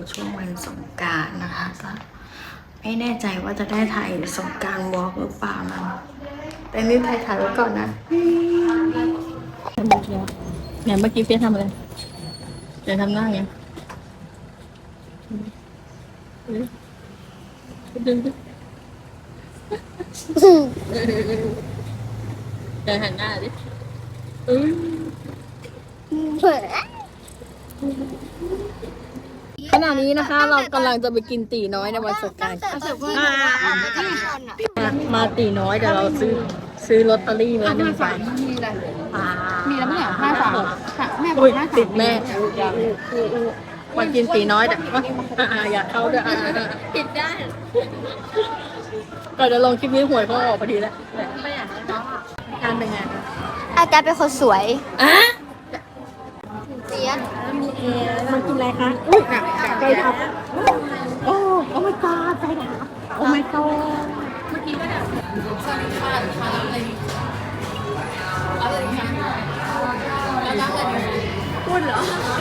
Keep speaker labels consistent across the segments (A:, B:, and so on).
A: ช่วงวันสงกรานต์นะคะก็ไม่แน่ใจว่าจะได้ถ่ายสงกรานต์วอล์กหรือเปล่านะแต่นี่ถ่ายไว้ก่อนนะเนี่ยเมื่อกี้เฟียทำอะไรเดี๋ยวทำหน้าไงดึงเดี๋ยวหันหน้าดิขณะนี้นะคะเรากำลังจะไปกินตีน้อยในวันสงกรานต์มาตีน้อยเดี๋ยวเราซื้อลอตเตอรี่มา1 ใบ
B: มีแล้วไม่เหรอ53แม่บอก53
A: ติดแม่มากินตีน้อยแต่อยากเข้าด้วย
B: ปิดได้
A: ก็จะลงคลิปนี้หวยเขาออกพอดีแล้วไม่อยากการเป็นไงคะ
B: อาจารย์เป็นคนสวย
A: เสียมากินอะไรคะอุ้ยไก่ทับโอ้ไม่กาไก่ทับโอ้ไม่กาเมื่อกี้ก็แบบสวัสดีค่ะอะไรคะแล้วก็อะไรพูดเหรอ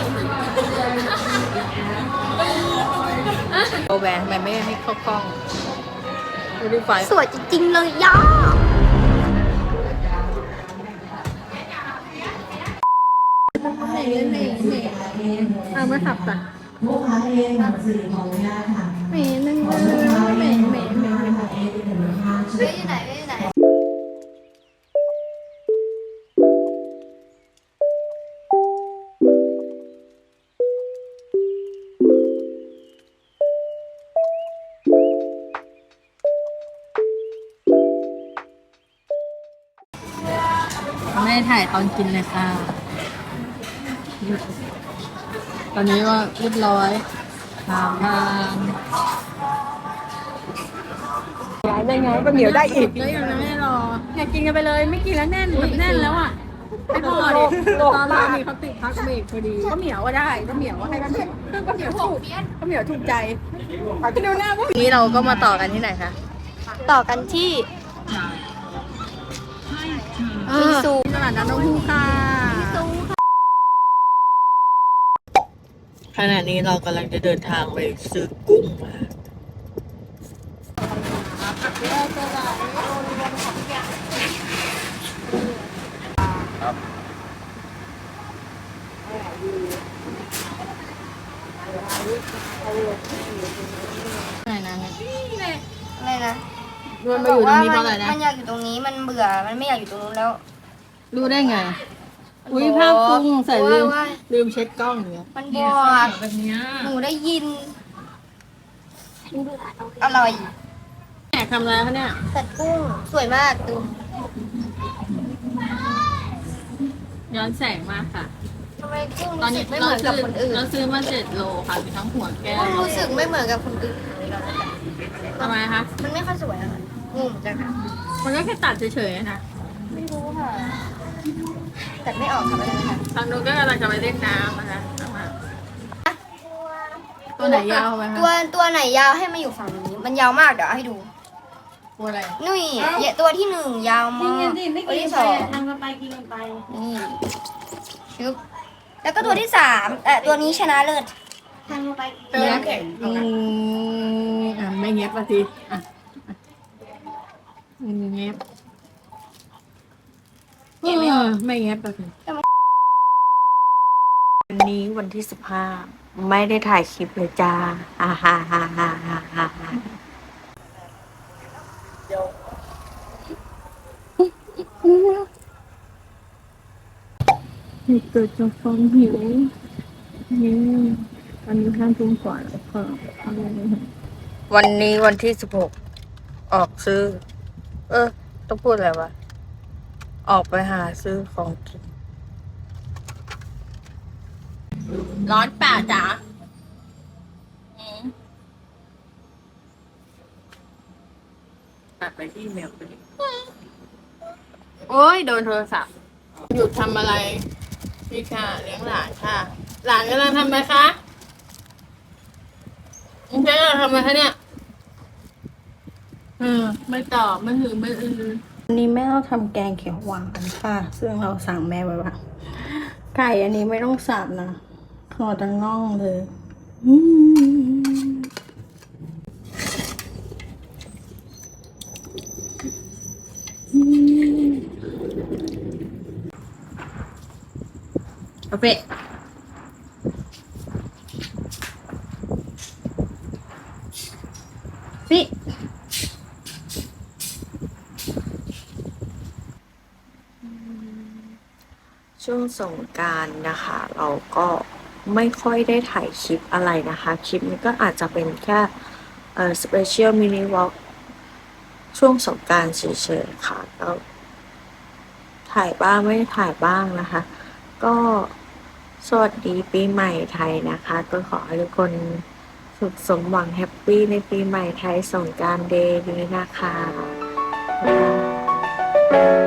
A: โอแวนไม่ให้เข้ากล้องดูดิไฟ
B: สวยจริงๆเลยย่า
A: ไม่ขับจ้ะ
C: ลูกค้าเองหนังสือของญาติค่ะ
B: เหม็นนึงเลยเหม็นอยู่ไหน
A: ไม่ได้ถ่ายตอนกินเลยค่ะตอนนี้ก็เรียบร้อยทานย้ายได้ไงก็เหนียวได้อีกแล้วยังไม่รออยากกินกันไปเลยไม่กินแล้วแน่นแบบแน่นแล้วอ่ะไม่พอดิตอนเรามีเขาติดพักเบรกพอดีก็เหนียวก็ได้ก็เหนียวให้ก็เหนียวถูกใจไปดูหน้าพวกนี้เราก็มาต่อกันที่ไหนคะ
B: ต่อกันที่บิงซู
A: ตลาดน้ำนกฮูกค่ะขณะนี้เรากำลังจะเดินทางไปซื้อกุ้งมาอะไรนะ
B: อะไรนะ
A: รวมมาอยู่ตรงนี้เพราะอะไรนะ
B: มันอยากอยู่ตรงนี้มันเบื่อมันไม่อยากอยู่ตรงนู้นแล้ว
A: รู้ได้ไงอุ้ยภาพกุ้งใส่ลืมเช็ดกล้องเนี่ย
B: มันบอก
A: แบบนี้
B: หนูได้ยินอร่อย
A: แหนทำอะไรคะเนี่ย
B: สัตว์กุ้งสวยมากดู
A: ย้อนแสงมากค่ะ
B: ทำไมกุ้งรู้สึกไม่เหมือนกับคนอื่น
A: เราซื้อมา7 โลค่ะมีทั้งหัวแก้ว
B: กุ้งรู้สึกไม่เหมือนกับคนอื่น
A: ทำไมคะ
B: มันไม่ค่อยสวยอะงงจังค่ะ
A: มันก็แค่ตัดเฉยๆนะ
B: ไม่รู้ค่ะแต่ไม่ออกค่ะไม่ได้ค่ะ
A: ทางนู้นก็กำลังจะไปเล่นน้ำนะคะตัวไหนยาวไหมคะ
B: ตัวไหนยาวให้มาอยู่ฝั่งนี้มันยาวมากเดี๋ยวให้ดู
A: ตัวอะไร
B: นี่ตัวที่1ยาวมากตัวที่2
A: ทางกันไปกินกันไป
B: นี่ชึบแล้วก็ตัวที่3ตัวนี้ชนะเลิศทางไป
A: เนื้อแข็งไม่เงียบมาทีเงียบไม่เงียบมาทีวันนี้วันที่15ไม่ได้ถ่ายคลิปเลยจ้าเกิดจากความหิวนี่ตอนนี้5 ทุ่มกว่าแล้วค่ะวันนี้วันที่16ออกซื้อต้องพูดอะไรวะออกไปหาซื้อของกินร้อนป่าจ๋าตัดไปที่เมลไปดิโอ้ยโดนโทรศัพท์หยุดทำอะไรพี่ค่ะเลี้ยงหลานค่ะหลานกำลังทำอะไรคะมึงจะทำอะไรคะเนี่ยไม่ตอบไม่หือไม่วันนี้แม่เราทำแกงเขียวหวานกันค่ะซึ่งเราสั่งแม่ไว้ว่าไก่อันนี้ไม่ต้องสับนะขอแต่น่องเลยกาแฟฟิช่วงสงกรานต์นะคะ เราก็ไม่ค่อยได้ถ่ายคลิปอะไรนะคะ คลิปนี้ก็อาจจะเป็นแค่สเปเชียลมินิวอล์กช่วงสงกรานต์เฉยๆค่ะก็ถ่ายบ้างไม่ได้ถ่ายบ้างนะคะ ก็สวัสดีปีใหม่ไทยนะคะ ก็ขอให้ทุกคนสุขสมหวังแฮปปี้ในปีใหม่ไทยสงกรานต์เดย์นี้นะคะ